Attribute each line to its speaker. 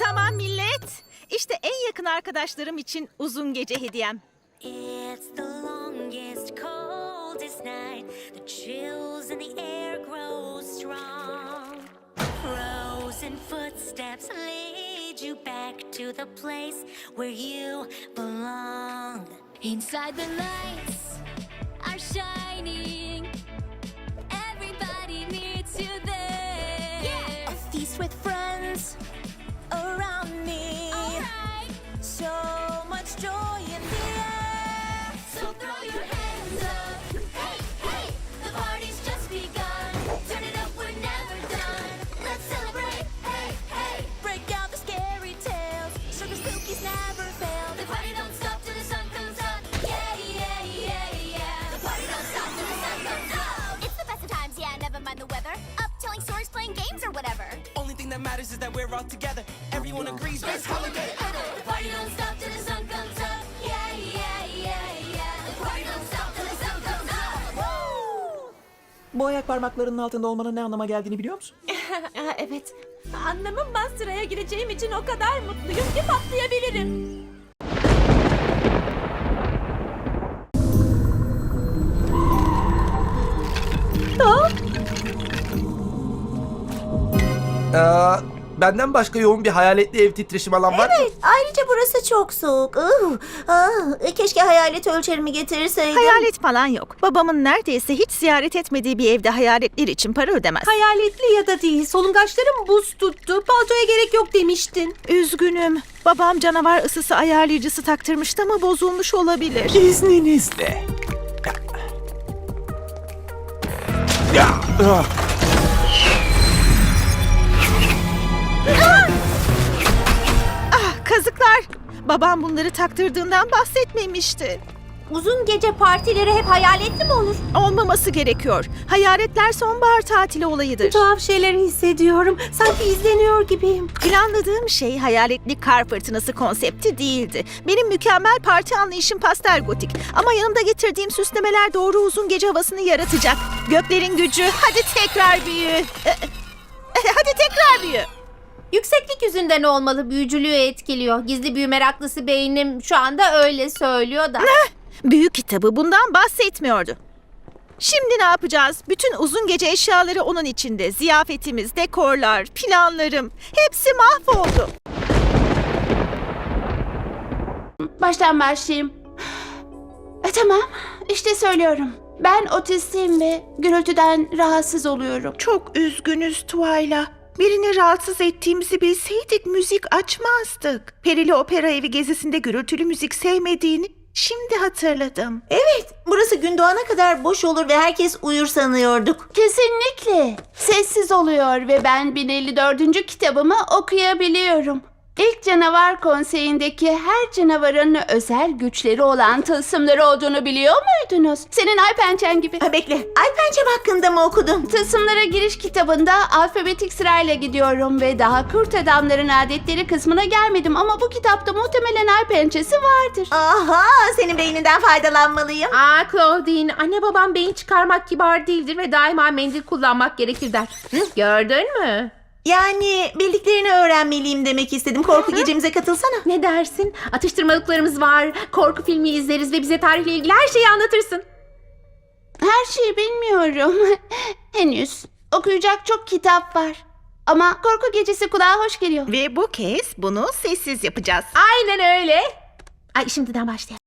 Speaker 1: Tamam millet. İşte en yakın arkadaşlarım için uzun gece hediyem.
Speaker 2: It's the longest, coldest night. The chills in the air grow strong. Frozen footsteps lead you back to the place where you belong. Inside the lights are shining. Everybody needs you there. Yeah. A feast with friends around me. Alright. So much joy in the air. So throw your hands up. Hey, hey, the party's just begun. Turn it up, we're never done. Let's celebrate. Hey, hey, break out the scary tales. Sugar spookies never fail. The party don't stop till the sun comes up. Yeah, yeah, yeah, yeah. The party don't stop till the sun comes up.
Speaker 3: It's the best of times, yeah, never mind the weather. Up telling stories, playing games or whatever.
Speaker 4: Only thing that matters is that we're all together. Everyone agrees, best holiday ever.
Speaker 2: The party don't stop till the sun comes up. Yeah, yeah, yeah, yeah. The party don't stop till the sun comes up. Woo!
Speaker 5: Bu ayak parmaklarının altında olmanın ne anlama geldiğini biliyor musun?
Speaker 6: Evet. Anlamam, ben sıraya gireceğim için o kadar mutluyum ki patlayabilirim.
Speaker 4: Benden başka yoğun bir hayaletli ev titreşim alan var mı?
Speaker 7: Evet, ayrıca burası çok soğuk. Keşke hayalet ölçerimi getirseydim.
Speaker 1: Hayalet falan yok. Babamın neredeyse hiç ziyaret etmediği bir evde hayaletler için para ödemez.
Speaker 6: Hayaletli ya da değil, solungaçlarım buz tuttu. Paltoya gerek yok demiştin.
Speaker 1: Üzgünüm. Babam canavar ısısı ayarlayıcısı taktırmıştı ama bozulmuş olabilir.
Speaker 5: İzninizle.
Speaker 1: Kazıklar. Babam bunları taktırdığından bahsetmemişti.
Speaker 7: Uzun gece partileri hep hayaletli mi olur?
Speaker 1: Olmaması gerekiyor. Hayaletler sonbahar tatili olayıdır.
Speaker 6: Tuhaf şeyler hissediyorum. Sanki izleniyor gibiyim.
Speaker 1: Planladığım şey hayaletli kar fırtınası konsepti değildi. Benim mükemmel parti anlayışım pastel gotik. Ama yanımda getirdiğim süslemeler doğru uzun gece havasını yaratacak. Göklerin gücü, hadi tekrar büyü. Hadi tekrar büyü.
Speaker 7: Yükseklik yüzünden olmalı, büyücülüğü etkiliyor. Gizli büyü meraklısı beynim şu anda öyle söylüyor da.
Speaker 1: Büyü kitabı bundan bahsetmiyordu. Şimdi ne yapacağız? Bütün uzun gece eşyaları onun içinde. Ziyafetimiz, dekorlar, planlarım. Hepsi mahvoldu.
Speaker 8: Baştan başlayayım. Tamam, işte söylüyorum. Ben otistim ve gürültüden rahatsız oluyorum.
Speaker 1: Çok üzgünüz Tuayla. Birini rahatsız ettiğimizi bilseydik müzik açmazdık. Perili Opera Evi gezisinde gürültülü müzik sevmediğini şimdi hatırladım.
Speaker 7: Evet, burası gün doğana kadar boş olur ve herkes uyur sanıyorduk.
Speaker 8: Kesinlikle. Sessiz oluyor ve ben 1054. kitabımı okuyabiliyorum. İlk canavar konseyindeki her canavarın özel güçleri olan tılsımları olduğunu biliyor muydunuz? Senin ay pençen gibi.
Speaker 7: Bekle, ay pençem hakkında mı okudun?
Speaker 8: Tılsımlara giriş kitabında alfabetik sırayla gidiyorum ve daha kurt adamların adetleri kısmına gelmedim ama bu kitapta muhtemelen ay pençesi vardır.
Speaker 7: Aha, senin beyninden faydalanmalıyım.
Speaker 6: Claudine, anne babam beyin çıkarmak kibar değildir ve daima mendil kullanmak gerekir der. Gördün mü?
Speaker 7: Yani bildiklerini öğrenmeliyim demek istedim. Korku gecemize katılsana.
Speaker 6: Ne dersin? Atıştırmalıklarımız var, korku filmi izleriz ve bize tarihle ilgili her şeyi anlatırsın.
Speaker 8: Her şeyi bilmiyorum. Henüz. Okuyacak çok kitap var. Ama korku gecesi kulağa hoş geliyor.
Speaker 1: Ve bu kez bunu sessiz yapacağız.
Speaker 6: Aynen öyle. Ay, şimdiden başlayalım.